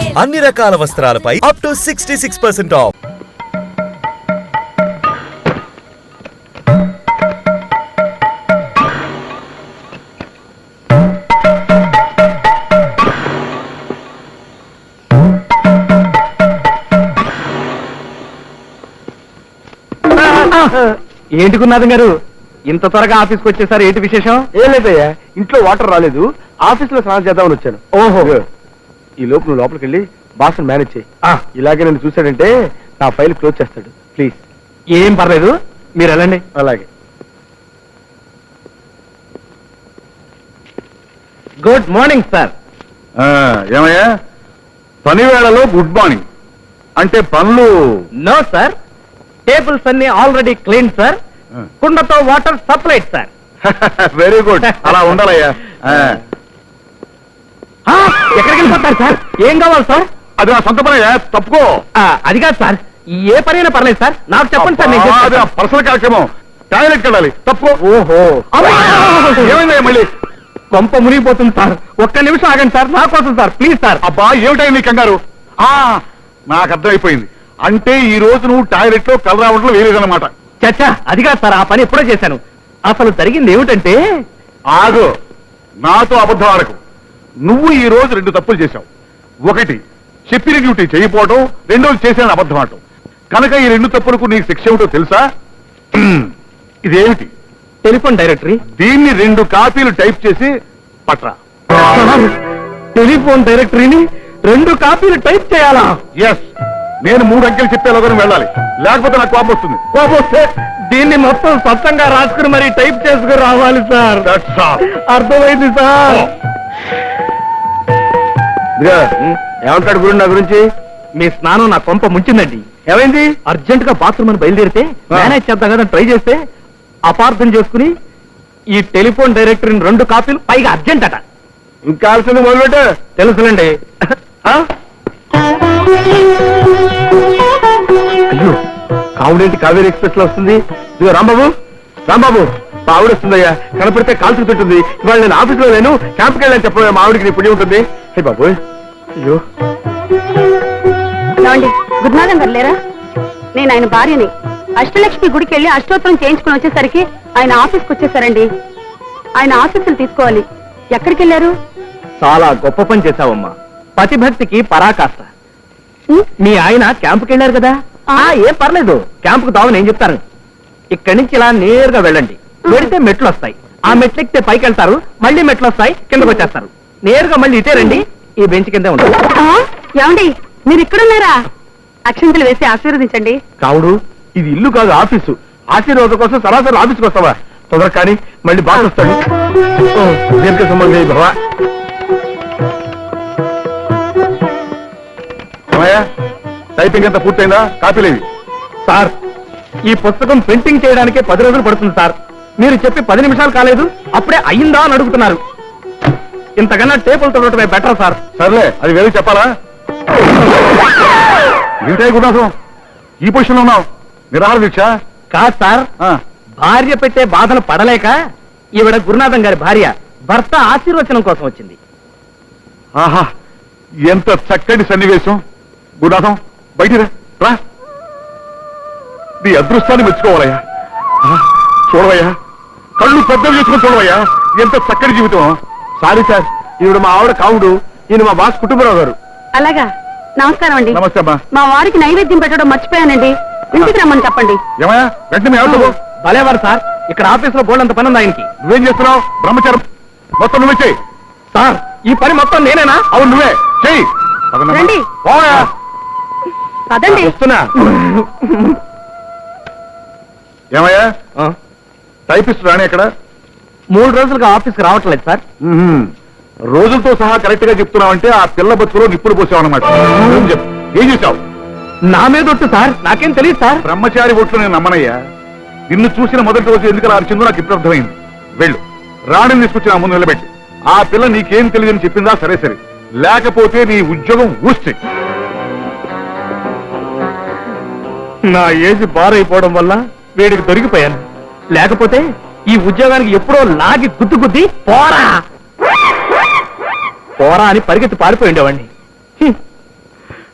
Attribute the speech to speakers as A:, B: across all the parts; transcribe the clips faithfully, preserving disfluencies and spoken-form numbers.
A: అన్ని రకాల వస్త్రాలపై up to sixty six percent off.
B: ఏంటి గురునాథం గారు ఇంత త్వరగా ఆఫీస్కి వచ్చేసారు? ఏంటి విశేషం?
C: ఏం లేదయ్యా, ఇంట్లో వాటర్ రాలేదు, ఆఫీస్ లో స్నానం చేద్దామని వచ్చాను.
B: ఓహో,
C: ఈ లోపు నువ్వు లోపలికి వెళ్ళి బాస్ మేనేజ్ చేయి. ఇలాగే నన్ను చూశాడంటే నా ఫైల్ క్లోజ్ చేస్తాడు. ప్లీజ్.
B: ఏం పర్లేదు, మీరు వెళ్ళండి.
C: అలాగే.
B: Good morning sir.
D: ఏమయ్యా, పని వేళలో గుడ్ మార్నింగ్ అంటే పనులు?
B: నో సార్, టేబుల్స్ అన్ని ఆల్రెడీ క్లీన్ సార్, కుండతో water supplied sir.
D: Very good, అలా ఉండాలయ్యా.
B: ఎక్కడికి వెళ్ళిపోతారు సార్? ఏం కావాలి సార్?
D: అది నా సొంత పనయ్యా, తప్పుకో.
B: అది కాదు సార్, ఏ పనైనా పర్లేదు సార్, నాకు చెప్పండి సార్. నేను చేస్తాను.
D: పర్సనల్ కార్యక్రమం, టాయిలెట్కి వెళ్ళాలి, తప్పుకో.
B: ఓహో,
D: ఏమైందయ్యా మళ్ళీ?
B: కొంప మునిగిపోతుంది సార్, ఒక్క నిమిషం ఆగండి సార్, నా కోసం సార్, ప్లీజ్ సార్.
D: అబ్బా ఏమిటాయి నీ కంగారు? నాకు అర్థమైపోయింది, అంటే ఈ రోజు నువ్వు టాయిలెట్ లో కలర్ రావడంలో వేరేదన్నమాట.
B: చచ్చా, అది కాదు సార్, ఆ పని ఎప్పుడో చేశాను. అసలు జరిగింది ఏమిటంటే...
D: ఆగు, నాతో అబద్ధం ఆడకు. నువ్వు ఈ రోజు రెండు తప్పులు చేశావు. ఒకటి, చెప్పిన డ్యూటీ చేయకపోవడం, రెండోది చేసిన అబద్ధం ఆడటం. కనుక ఈ రెండు తప్పులకు నీకు శిక్ష ఏమిటో తెలుసా? ఇదేమిటి?
B: Telephone directory.
D: దీన్ని రెండు కాపీలు టైప్ చేసి పట్రా.
B: టెలిఫోన్ డైరెక్టరీని రెండు కాపీలు టైప్ చేయాలా?
D: ఎస్, నేను మూడు అంకెలు చెప్పేలోగానే వెళ్ళాలి, లేకపోతే నాకు కోపం వస్తుంది.
B: కోపం వస్తే దీన్ని మొత్తం స్వచ్ఛంగా రాసుకుని మరి టైప్ చేసుకుని రావాలి సార్. అర్థమైంది సార్.
C: ఏమంటాడు గురు నా గురించి?
B: మీ స్నానం నా కొంప ముంచిందండి.
C: ఏమైంది?
B: అర్జెంట్ గా బాత్రూమ్ అని బయలుదేరితే మేనేజ్ చేద్దాం కదా ట్రై చేస్తే అపార్థం చేసుకుని ఈ టెలిఫోన్ డైరెక్టరీని రెండు కాపీలు, పైగా అర్జెంట్ అట.
C: ఇంకా ఆల్సింది మొదలుపెట్టు.
B: తెలుసులేండి.
C: అయ్యో, కావుడేంటి కావేరీ ఎక్స్ప్రెస్ లో వస్తుంది? ఇదిగో రాంబాబు, రాంబాబు, మా ఆవిడ వస్తుందయ్యా, కనపడితే కాల్చుకు తింటుంది. ఇవాళ నేను ఆఫీస్ లో లేను, క్యాంప్కి వెళ్ళని చెప్పబోయే మా ఆవిడికి నీ పుణ్యం ఉంటుంది. హే బాబు, అయ్యో.
E: గురునాథం గారు లేరా? నేను ఆయన భార్యని. అష్టలక్ష్మి గుడికి వెళ్ళి అష్టోత్తరం చేయించుకుని వచ్చేసరికి ఆయన ఆఫీస్కి వచ్చేసారండి. ఆయన ఆఫీసులు తీసుకోవాలి. ఎక్కడికి వెళ్ళారు?
B: చాలా గొప్ప పని చేశావమ్మా, పతిభక్తికి పరాకాష్ట. మీ ఆయన క్యాంపుకి వెళ్ళారు కదా? ఏం పర్లేదు, క్యాంపుకు దావని ఏం చెప్తాను. ఇక్కడి నుంచి ఇలా నేరుగా వెళ్ళండి, వెళితే మెట్లు వస్తాయి, ఆ మెట్లు ఎక్కితే పైకి వెళ్తారు, మళ్ళీ మెట్లు వస్తాయి, కిందకు వచ్చేస్తారు. నేరుగా మళ్ళీ ఇటే రండి, ఈ బెంచ్ కిందే ఉంటారు.
E: ఏమండి, మీరు ఇక్కడున్నారా? అక్షంతలు వేసి ఆశీర్వదించండి.
C: కావుడు, ఇది ఇల్లు కాదు, ఆఫీసు. ఆశీర్వాదం కోసం సరాసరి ఆఫీస్కి వస్తావా? తొందర కానీ మళ్ళీ బాగా వస్తాడు. దీర్ఘ సంబంధం భవా.
D: టైపింగ్ అంతా పూర్తయిందా? కాపీలేవి?
B: సార్, ఈ పుస్తకం ప్రింటింగ్ చేయడానికి పది రోజులు పడుతుంది సార్. మీరు చెప్పి పది నిమిషాలు కాలేదు, అప్పుడే అయ్యిందా అని అడుగుతున్నారు. ఇంతకన్నా టేబుల్ తొడటమే బెటర్ సార్.
D: సర్లే, అది వేరే చెప్పాలా? ఏంటాయి గుణాసం, ఈ పొజిషన్ లో ఉన్నావు? నిరాహార దీక్ష?
B: కాదు సార్, భార్య పెట్టే బాధలు పడలేక ఈవిడ గురునాథం గారి భార్య భర్త ఆశీర్వచనం కోసం వచ్చింది.
D: ఆహా, ఎంత చక్కటి సన్నివేశం. గురునాథం, బయటిరా రా. నీ అదృష్టాన్ని మెచ్చుకోవాలయ్యా. చూడవయ్యా, కళ్ళు పెద్దలు చేసుకుని చూడవయ్యా, ఎంత చక్కటి జీవితం.
C: సారీ సార్, ఈవిడ మా ఆవిడ కావుడు, ఈయన మా బాస్ కుటుంబరావు గారు.
E: అలాగా, నమస్కారం అండి.
D: నమస్తే అమ్మా.
E: మా వారికి నైవేద్యం పెట్టడం మర్చిపోయానండి, ఇంటికి రమ్మని చెప్పండి.
D: ఏమయ్యా, వెంటనే ఎవరు?
B: భలేవారు సార్, ఇక్కడ ఆఫీస్ లో బోల్డంత పని ఉంది ఆయనకి.
D: నువ్వేం చేస్తున్నావు? బ్రహ్మచారం మొత్తం నువ్వే చెయ్యి.
B: సార్, ఈ పని మొత్తం నేనేనా?
D: అవును, నువ్వే చెయ్యి.
E: రండి. పదండి.
C: వస్తున్నా.
D: ఏమయ్యా, టైపిస్ట్ రాని ఎక్కడ?
B: మూడు రోజులుగా ఆఫీస్కి రావట్లేదు సార్.
D: రోజులతో సహా కరెక్ట్ గా చెప్తున్నావంటే ఆ పిల్ల బతుకులో నిప్పులు పోసావు అనమాట. ఏం చేశావు?
B: నా మీద ఒట్టు సార్, నాకేం తెలియదు సార్.
D: బ్రహ్మచారి ఒట్లు నేను నమ్మనయ్యా. నిన్ను చూసిన మొదటి రోజు ఎందుకు అలా అరిచిందో నాకు ఇప్పుడు అర్థమైంది. వెళ్ళు, రాణిని తీసుకొచ్చి నా ముందు నిలబెట్టి. ఆ పిల్ల నీకేం తెలియదని చెప్పిందా? సరే సరే, లేకపోతే నీ ఉద్యోగం ఊస్తే.
B: నా ఏజ్ బారైపోవడం వల్ల వీడికి దొరికిపోయాను, లేకపోతే ఈ ఉద్యోగానికి ఎప్పుడో లాగి గుద్దు గుద్ది పోరా పోరా అని పరిగెత్తి పారిపోయిండేవాడిని.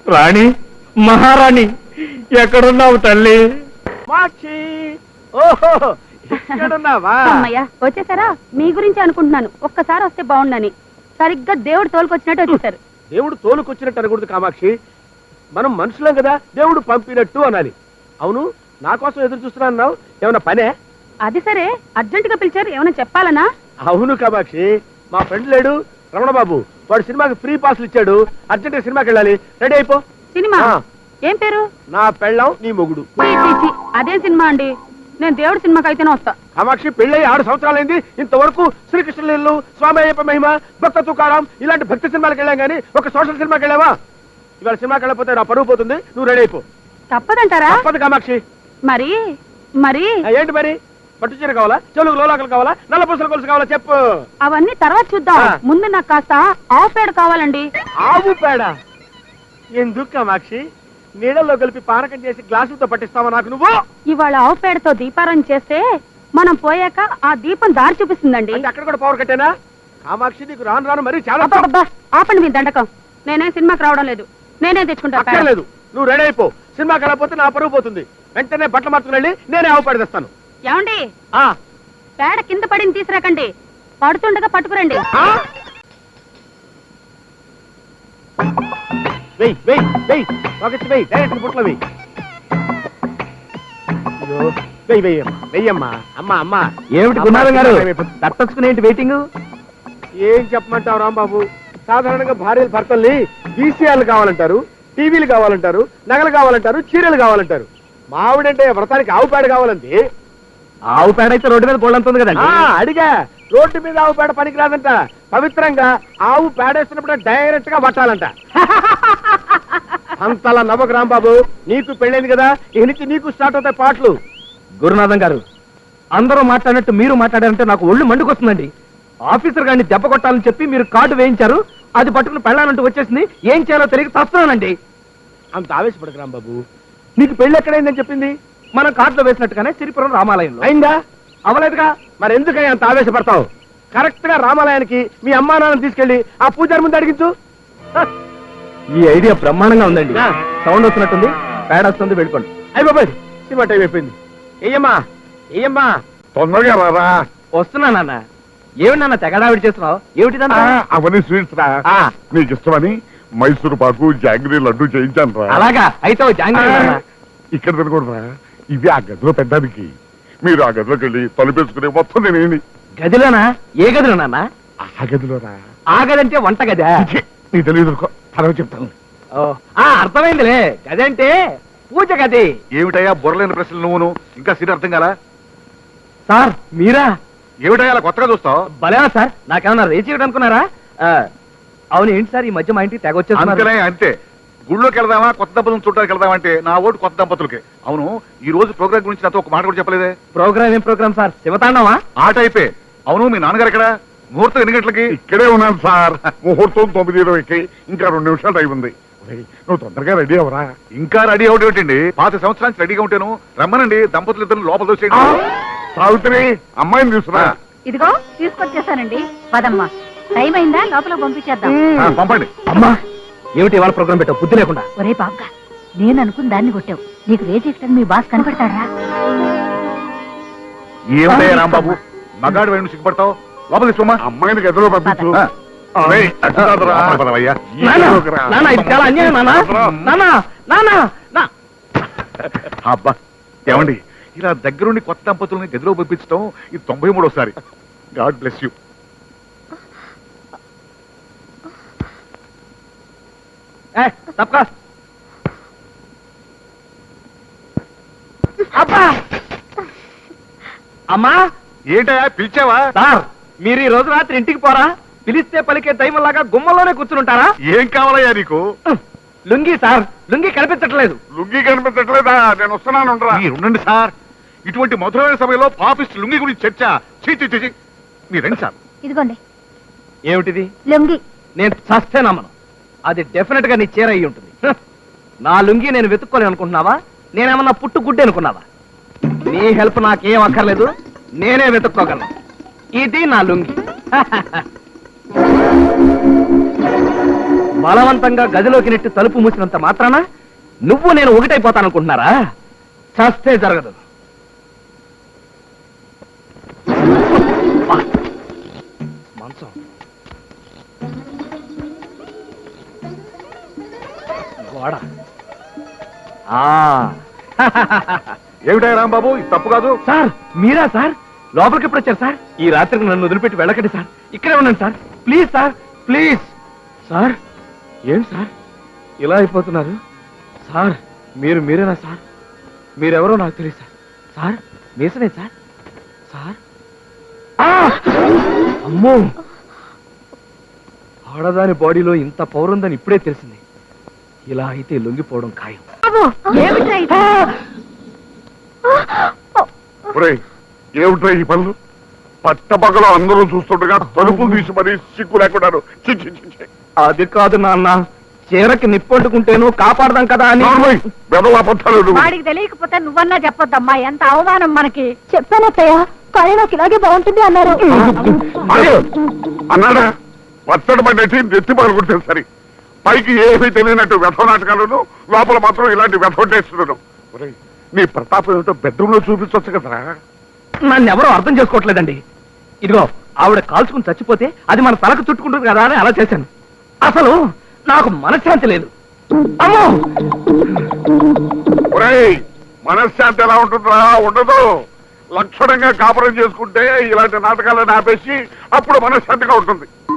B: రాణి మహారాణి ఎక్కడున్నావు తల్లి మాక్షి ఓహో ఎక్కడున్నావా
E: అమ్మయ్యా వచ్చేసారా? మీ గురించి అనుకుంటున్నాను. ఒక్కసారి వస్తే బాగుండని. సరిగ్గా దేవుడు తోలుకొచ్చినట్టు వచ్చేసారు.
B: దేవుడు తోలుకొచ్చినట్టు అనకూడదు కామాక్షి, మనం మనుషులం కదా, దేవుడు పంపినట్టు అనాలి. అవును, నా కోసం ఎదురు చూస్తున్నావు, ఏమన్నా పనే?
E: అది సరే, అర్జెంట్ గా పిలిచారు, ఏమైనా చెప్పాలనా?
B: అవును కామాక్షి, మా ఫ్రెండ్ లేడు రమణబాబు, వాడు సినిమాకి ఫ్రీ పాస్లు ఇచ్చాడు, అర్జెంట్ గా సినిమాకి వెళ్ళాలి, రెడీ అయిపో.
E: సినిమా
B: ఆ.
E: ఏం పేరు?
B: నా పెళ్ళాం నీ మొగుడు.
E: చీ, చీ, చీ. అదేం సినిమా అండి? నేను దేవుడి సినిమాకి అయితేనే వస్తా.
B: కామాక్షి, పెళ్ళయి ఆరు సంవత్సరాలైంది, ఇంతవరకు శ్రీకృష్ణలీలు, స్వామి అయ్యప్ప మహిమ, భక్త తుకారాం ఇలాంటి భక్తి సినిమాలకు వెళ్ళాం కానీ ఒక సోషల్ సినిమాకి వెళ్ళావా? ఇవాళ సినిమాకి వెళ్ళకపోతే నా పరువు పోతుంది, నువ్వు రెడీ అయిపో.
E: తప్పదంటారా?
B: తప్పదు కామాక్షి.
E: మరి మరి
B: ఆ, ఏంటి మరి? పట్టు చీర కావాలా, చెలుగు లోలాకలు కావాలా, నల్ల పూసల కొలుసు కావాలా చెప్పు.
E: అవన్నీ తర్వాత చూద్దాం.
B: ఆ.
E: ముందు నాకు కాస్త ఆవు పేడ కావాలండి.
B: ఆవు పేడ ఎందుకు కామాక్షి? నీళ్ళల్లో కలిపి పానకం చేసి గ్లాసులతో పట్టిస్తావా నాకు నువ్వు?
E: ఇవాళ ఆవు పేడతో దీపారాయణ చేస్తే మనం పోయాక ఆ దీపం దారి చూపిస్తుందండి.
B: అంటే అక్కడ కూడా పవర్ కట్టేనా? కామాక్షి, నీకు రాను రాను మరి చాలా
E: అబ్బబ్బబ్బా, ఆపండి మీ దండకం. నేనే సినిమాకి రావడం లేదు, నేనే తెచ్చుకుంటా పేడ.
B: అక్కర్లేదు, నువ్వు రెడీ అయిపో. సినిమాకి వెళ్ళకపోతే నా పరువు పోతుంది. వెంటనే బట్టలు మార్చుకుని వెళ్ళి నేనే ఆవు పేడ తెస్తాను.
E: ఏమండి,
B: ఆ,
E: పేడ కింద పడింది తీసుకురాకండి, పడుతుండగా పట్టుకురండి.
B: ఆ? వెయ్ వెయ్ వెయ్ పాకెట్స్ వెయ్, డైరెక్ట్ బుట్టలో వెయ్. అయ్యో, వెయ్ వెయ్యమ్మా వెయ్యమ్మా. అమ్మా అమ్మా
C: ఏమిటి గురునాథం గారు తట్టచ్చుకునేంటి వెయిటింగ్?
B: ఏం చెప్పమంటావు రాంబాబు? సాధారణంగా భార్యలు భర్తల్ని వీసీఆర్లు కావాలంటారు, టీవీలు కావాలంటారు, నగలు కావాలంటారు, చీరలు కావాలంటారు. మావిడంటే వ్రతానికి ఆవు పేడ కావాలండి.
C: ఆవు పేడ అయితే రోడ్డు మీద బోళ్ళంతుంది
B: ఆ,
C: కదండి.
B: అడిగా, రోడ్డు మీద ఆవు పేడ పనికిరాదంట. పవిత్రంగా ఆవు పేడేస్తున్నప్పుడు డైరెక్ట్ గా పట్టాలంట. అంతలా నవ్వకు రాంబాబు, నీకు పెళ్ళైంది కదా, ఇక నుంచి నీకు స్టార్ట్ అవుతాయి పాటలు.
C: గురునాథం గారు, అందరూ మాట్లాడినట్టు మీరు మాట్లాడారంటే నాకు ఒళ్ళు మండుకొస్తుందండి. ఆఫీసర్ గారిని దెబ్బ కొట్టాలని చెప్పి మీరు కార్డు వేయించారు, అది పట్టుకుని పెళ్ళాలంటూ వచ్చేసింది, ఏం చేయాలో తెలియక తస్తున్నానండి.
B: అంత ఆవేశపడకు రాంబాబు, నీకు పెళ్ళి ఎక్కడైందని చెప్పింది?
C: మనం కార్డులో వేసినట్టుగానే సిరిపురం రామాలయంలో.
B: అయిందా? అవలేదుగా, మరి ఎందుకని అంత ఆవేశపడతావు? కరెక్ట్ గా రామాలయానికి మీ అమ్మా నాన్న తీసుకెళ్లి ఆ పూజారి ముందు అడిగించు. హ,
C: ఈ ఐడియా బ్రహ్మాండంగా ఉందండి.
B: ఆ.
C: సౌండ్ వస్తున్నట్టుంది, పేడ వస్తుంది, వెళ్ళిపోండి.
B: అయ్య బాబాయ్, సినిమా టైం అయిపోయింది. ఏయమ్మా ఏయమ్మా.
D: తొందరగా రారా.
C: వస్తున్నా నాన్న. ఏమిటి నాన్న తెగడావిడి చేస్తున్నావు? ఏమిటిదంతా?
D: ఆ, అవన్నీ స్వీట్స్ రా.
C: ఆ.
D: నీకు ఇష్టమని మైసూరు పాకు జాంగ్రీ లడ్డు చేయించాను రా.
C: అలాగా, అయితే ఓ జాంగ్రీ నాన్న.
D: ఇక్కడ తినకూడదురా, ఇది ఆ గదిలో పెట్టడానికి. మీరు ఆ గదిలోకి వెళ్ళి తలుపేసుకునే మొత్తం నేనేంటి
C: గదిలోనా? ఏ గదిలో నాన్న?
D: ఆ గదిలోరా.
C: ఆ గది అంటే వంట గదా?
D: ఛీ, నీ తెలియదు, తర్వాత చెప్తాను.
C: ఓ, ఆ అర్థమైందిలే, గది అంటే పూజ గది.
D: ఏమిటయ్యా బుర్రలేని ప్రశ్నలు నువ్వును, ఇంకా సీట్ అర్థం కాలా?
C: సార్ మీరా?
D: ఏమిటయ్యా అలా కొత్తగా చూస్తావు?
C: భలేనా సార్, నాకేమన్నా రేచి ఇవ్వడం అనుకున్నారా? ఆ, అవును, ఏంటి సార్ ఈ మధ్య మా ఇంటికి తెగ
D: అంతేనే
C: వచ్చేస్తున్నారు?
D: అంతే. గుళ్ళోకి వెళ్దామా, కొత్త దంపతులను చూడడానికి వెళ్దామా అంటే నా ఓటు కొత్త దంపతులకి. అవును, ఈ రోజు ప్రోగ్రామ్ గురించి నాతో ఒక మాట కూడా చెప్పలేదే.
C: ప్రోగ్రామ్ ఏం ప్రోగ్రామ్ సార్? శివతాండవా?
D: ఆట అయిపోయి. అవును, మీ నాన్నగారు ఎక్కడ? ముహూర్తం ఎన్ని గంటలకి? ఇక్కడే ఉన్నాను సార్. ముహూర్తం తొమ్మిది ఇరవైకి, ఇంకా రెండు నిమిషాలు టైం ఉంది. ఒరేయ్, నువ్వు తొందరగా రెడీ అవరా. ఇంకా రెడీ అవడం ఏంటండి? పాత సంవత్సరానికి రెడీగా ఉంటాను. రమ్మనండి, దంపతులు ఇద్దరు లోపల దోసేయండి. సావిత్రి, అమ్మాయిని తీసుకురా.
E: ఇదిగో తీసుకొచ్చేసానండి. పదమ్మా, టైం అయిందా? లోపల పంపించేద్దాం.
D: ఆ, పంపండి.
C: అమ్మా, ఏమిటి ఇవాళ ప్రోగ్రామ్ పెట్టావు బుద్ధి లేకుండా?
E: ఒరే బాబుగా, నేను అనుకున్న దాన్ని కొట్టావు. నీకు రేజెక్టని మీ బాస్ కనపడతాడా?
D: ఏమిటయ్యా రాంబాబు, మగాడు వైపు సిగ్గుపడతావు? లోపల తీసుకోమా. అమ్మాయిని గదిలో పంపించు.
E: పద.
D: ఆ. ఒరేయ్, అటు కాదురా. పదవయ్యా.
C: నాన్న,
D: ఈలోకి రా.
C: నాన్న, ఇది చాలా అన్యాయం నాన్న. నాన్న, నాన్న, నా-
D: అబ్బా, ఏమండి, ఇలా దగ్గరుండి కొత్త దంపతుల్ని గదిలో పంపించడం ఇది తొంభై మూడోసారి. God bless you.
C: ఏ, తప్పకా. అబ్బా, అమ్మా.
D: ఏంటయ్యా పిలిచావా?
C: సార్, మీరు ఈ రోజు రాత్రి ఇంటికి పోరా? పిలిస్తే పలికే దైవంలాగా గుమ్మలోనే కూర్చుంటారా?
D: ఏం కావాలయ్యా నీకు?
C: లుంగి సార్, లుంగి కనిపించట్లేదు.
D: లుంగి కనిపించట్లేదా? నేను వస్తున్నాను. మీరు ఉండండి సార్. ఇటువంటి మధురమైన సమయంలో పాపిస్ట్ లుంగి గురించి చర్చ. చీ చీ, చీ, చీ. మీరు రండి సార్.
E: ఇదిగోండి
C: ఏమిటిది?
E: లొంగి.
C: నేను చస్తే నమ్మను. అది డెఫినెట్ గా నీ చీర అయి ఉంటుంది. హ! నా లుంగి నేను వెతుక్కోలేను అనుకుంటున్నావా? నేనేమన్నా పుట్టు గుడ్డి అనుకున్నావా? నీ హెల్ప్ నాకేం అక్కర్లేదు, నేనే వెతుక్కోగలను. ఇది నా లుంగి.
B: బలవంతంగా గదిలోకి నెట్టి తలుపు మూసినంత మాత్రాన నువ్వు నేను ఒకటైపోతాననుకుంటున్నారా? చస్తే జరగదు. మంచం గోడ.
D: ఏమిటా రాంబాబు, ఇది తప్పు కాదు.
B: సార్ మీరా సార్? లోపలికి ఎప్పుడు వచ్చారు సార్? ఈ రాత్రికి నన్ను వదిలిపెట్టి వెళ్ళకండి సార్, ఇక్కడే ఉన్నాను sir. Please sir, please sir. ఏం సార్ ఇలా అయిపోతున్నారు? సార్ మీరు మీరేనా సార్? మీరెవరో నాకు తెలియదు సార్. సార్ మీసనే సార్? సార్ ఆ! అమ్మో, ఆడదాని బాడీలో ఇంత పౌరుందని ఇప్పుడే తెలిసింది. ఇలా అయితే లొంగిపోవడం ఖాయం.
D: ఒరేయ్, ఏమిట్రా ఈ పనులు? పట్టపగలో అందరూ చూస్తుండగా తలుపులు తీసి మరీ సిగ్గు లేకున్నారు. చి, చి, చి, చి.
B: అది కాదు నాన్న, చీరకి నిప్పంటుకుంటేను కాపాడదాం కదా అని.
D: నార్మల్, బెదవ అబద్ధాలు నువ్వు.
E: వాడికి తెలియకపోతే నువ్వన్నా చెప్పొద్దమ్మా, ఎంత అవమానం మనకి. చెప్పానత్తయ్య, కానీ నాకు ఇలాగే బాగుంటుంది అన్నారు.
D: అదే, అన్నాడా? పచ్చడి పడ్డట్టి నెత్తి పగలుకుంటే సరి. పైకి ఏమీ తెలియనట్టు వ్యథ నాటకాలను, లోపల మాత్రం ఇలాంటి వ్యథ చేస్తున్నాను. ఒరేయ్, నీ ప్రతాపం ఏమిటో బెడ్రూమ్ లో చూపించవచ్చు కదరా.
B: నన్ను ఎవరో అర్థం చేసుకోవట్లేదండి. ఇదిగో ఆవిడ కాల్చుకుని చచ్చిపోతే అది మన తలకు చుట్టుకుంటుంది కదా అని అలా చేశాను. అసలు నాకు మనశ్శాంతి లేదు. అమ్మో,
D: ఒరేయ్, మనశ్శాంతి ఎలా ఉంటుందా? ఉండదు. లక్షణంగా కాపురం చేసుకుంటే ఇలాంటి నాటకాలను ఆపేసి అప్పుడు మనశ్శాంతిగా ఉంటుంది.